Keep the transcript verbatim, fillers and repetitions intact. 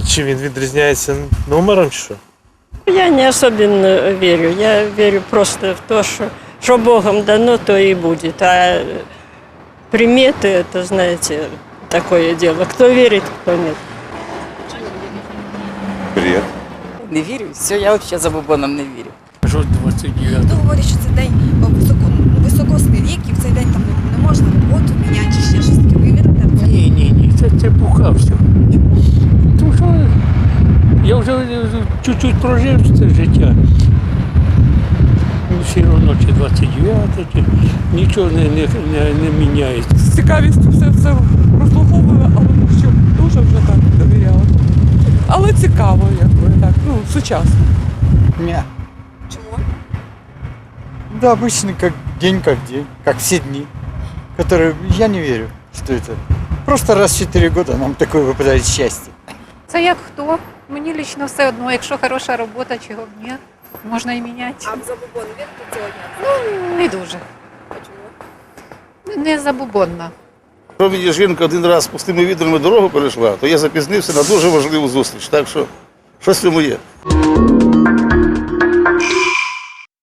Чи він відрізняється номером, чи що? Я не особенно верю. Я верю просто в то, что, что Богом дано, то и будет. А приметы, это, знаете, такое дело. Кто верит, кто нет. Бред. Не вірю, все, я взагалі забобоном не вірю. Що двадцять дев'ятого? Хто говорить, що це день високо, ну, високосний вік, і в цей день там не, не можна роботу міняти чи ще щось таке. Ви вірите в це? Ні, ні, ні, це, це буха все. Тому що я вже чуть-чуть прожив це життя. Ну, все одно чи двадцять дев'яте, чи нічого не, не, не, не міняється. З цікавістю все це прослуховую, але ну, що дуже вже так довіряла. Але цікаво, якби так, ну, сучасно. Ня. Чому? Да, обычный как день, как день, как все дни, которые я не верю, что это. Просто раз в четыре года нам такое выпадает счастье. Це як хто? Мені лично все одно, якщо хороша робота, чого б ні, можна і міняти. А в забобон вірите цього дня? Ну, не дуже. А чому? Не забубонна. Якщо мені жінка один раз з пустими відрами дорогу перейшла, то я запізнився на дуже важливу зустріч. Так що щось в цьому є.